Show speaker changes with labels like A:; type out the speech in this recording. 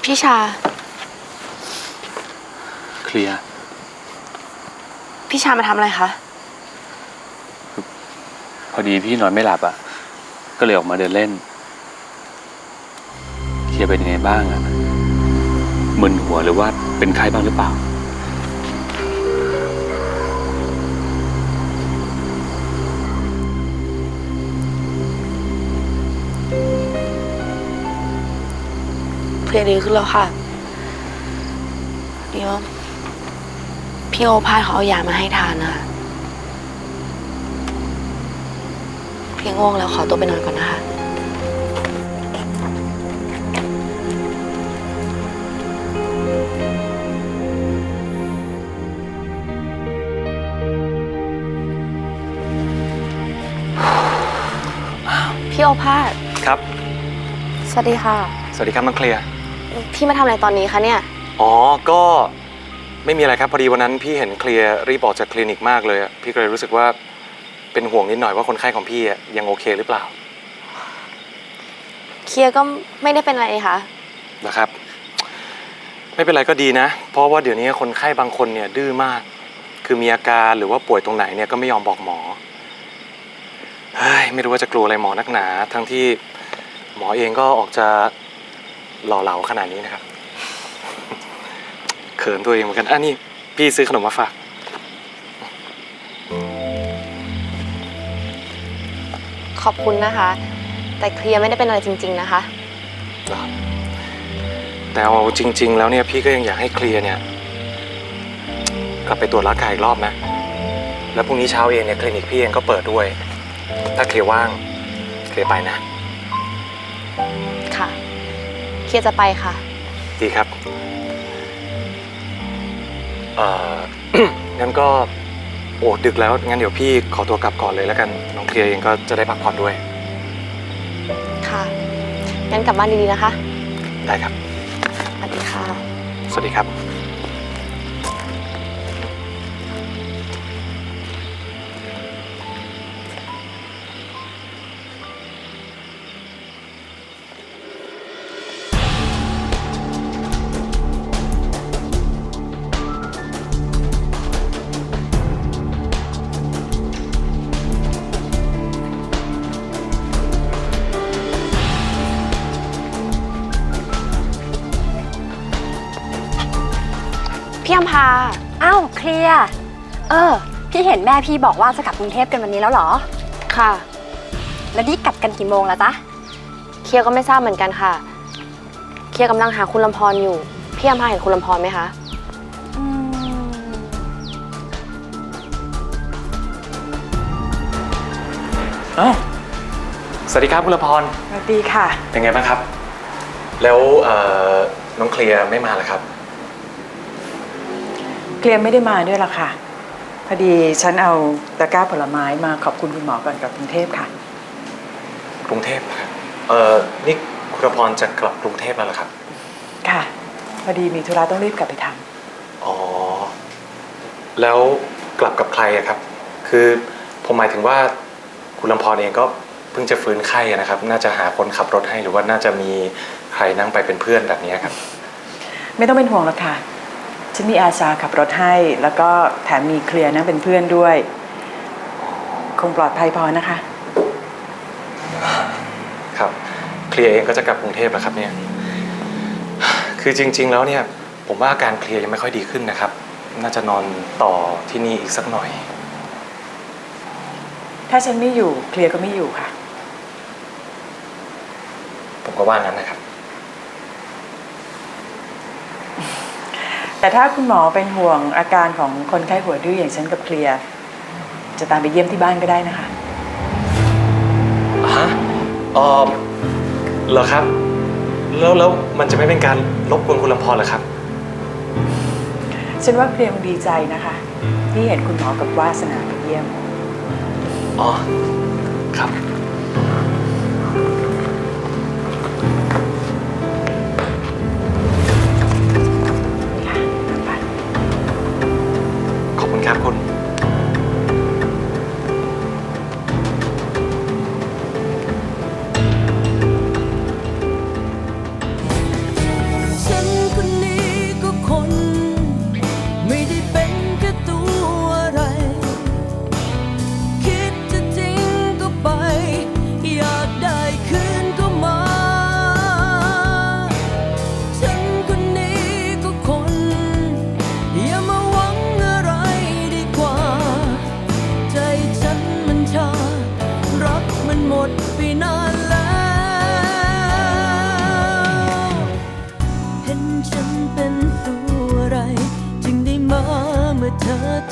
A: พี่ชา
B: เคลียร์
A: พี่ชามาทำอะไรคะ
B: พอดีพี่นอนไม่หลับอ่ะก็เลยออกมาเดินเล่นเคลียร์เป็นยังไงบ้างอ่ะมึนหัวหรือว่าเป็นไข้บ้างหรือเปล่า
A: เพลียดีขึ้นแล้วค่ะเดี๋ยวพี่โอภาสเขาเอายามาให้ทานนะคะพี่ง่วงแล้วขอตัวไปนอนก่อนนะคะพี่โอภาส
C: ครับ
A: สวัสดีค่ะ
C: สวัสดีครับน้องเคลียร์
A: พี่มาทำอะไรตอนนี้คะเนี่ย
C: อ๋อก็ไม่มีอะไรครับพอดีวันนั้นพี่เห็นเคลียร์รีบออกจากคลินิกมากเลยพี่ก็เลยรู้สึกว่าเป็นห่วงนิดหน่อยว่าคนไข้ของพี่ยังโอเคหรือเปล่า
A: เคลียร์ก็ไม่ได้เป็นอะไรคะ
C: นะครับไม่เป็นไรก็ดีนะเพราะว่าเดี๋ยวนี้คนไข้บางคนเนี่ยดื้อมากคือมีอาการหรือว่าป่วยตรงไหนเนี่ยก็ไม่ยอมบอกหมอเฮ้ยไม่รู้ว่าจะกลัวอะไรหมอนักหนาทั้งที่หมอเองก็ออกจะหล่อเหลาขนาดนี้นะครับเขินตัวเองเหมือนกันนี่พี่ซื้อขนมมาฝาก
A: ขอบคุณนะคะแต่เคลียร์ไม่ได้เป็นอะไรจริงๆนะคะ
C: แต่เอาจริงๆแล้วเนี่ยพี่ก็ยังอยากให้เคลียร์เนี่ยกลับไปตรวจร่างกายอีกรอบนะแล้วพรุ่งนี้เช้าเองเนี่ยคลินิกพี่เองก็เปิดด้วยถ้าเคลียร์ว่างเคลียร์ไปนะ
A: ค่ะเคลียร์จะไปค่ะ
C: ดีครับงั้นก็โอ้ดึกแล้วงั้นเดี๋ยวพี่ขอตัวกลับก่อนเลยแล้วกันน้องเคลียร์เองก็จะได้พักผ่อนด้วย
A: ค่ะงั้นกลับบ้านดีๆนะคะ
C: ได้ครับ
A: สวัสดีค่ะ
C: สวัสดีครับ
A: พี่อัมพา
D: อ้าวเคลียร์พี่เห็นแม่พี่บอกว่าจะกลับกรุงเทพกันวันนี้แล้วเหรอ
A: ค่ะ
D: แล้วนี่กลับกันกี่โมงแล้วจ๊ะ
A: เคลียร์ก็ไม่ทราบเหมือนกันค่ะเคลียร์กำลังหาคุณลำพรอยู่พี่อัมพาเห็นคุณลำพรไหมคะ
C: สวัสดีครับคุณละพร
E: สวัสดีค่ะ
C: เป็นไงบ้างครับแล้วน้องเคลียร์ไม่มาเหรอครับ
E: เคลียร์ไม่ได้มาด้วยล่ะค่ะพอดีฉันเอาตะกร้าผลไม้มาขอบคุณคุณหมอก่อนกลับกรุงเทพค่ะ
C: กรุงเทพครับนี่คุณละพรจะกลับกรุงเทพแล้วเหรอครับ
E: ค่ะพอดีมีธุระต้องรีบกลับไปทำ
C: อ๋อแล้วกลับกับใครอะครับคือผมหมายถึงว่าคุณลำพรเองก็เพิ่งจะฟื้นไข้นะครับน่าจะหาคนขับรถให้หรือว่าน่าจะมีใครนั่งไปเป็นเพื่อนแบบนี้ครับ
E: ไม่ต้องเป็นห่วงหรอกค่ะฉันมีอาสาขับรถให้แล้วก็แถมมีเคลียร์นั่งเป็นเพื่อนด้วยคงปลอดภัยพอนะคะ
C: ครับเคลียร์เองก็จะกลับกรุงเทพแล้วครับเนี่ยคือจริงๆแล้วเนี่ยผมว่าอาการเคลียร์ยังไม่ค่อยดีขึ้นนะครับน่าจะนอนต่อที่นี่อีกสักหน่อย
E: ถ้าฉันไม่อยู่เคลียร์ก็ไม่อยู่ค่ะ
C: ผมก็ว่างั้นนะครับ
E: แต่ถ้าคุณหมอเป็นห่วงอาการของคนไข้หัวดื้ออย่างฉันกับเคลียร์จะตามไปเยี่ยมที่บ้านก็ได้นะคะ
C: ฮะเหรอครับแล้วมันจะไม่เป็นการรบกวนคุณลำพรเหรอครับ
E: ฉันว่าเคลียร์คงดีใจนะคะที่เห็นคุณหมอกับวาสนาไปเยี่ยม
C: อ๋อครับขอบคุณครับคุณ
F: ฉันมันหมดไปนานแล้วเห็นฉันเป็นตัวอะไรจึงได้มาเมื่อเธอ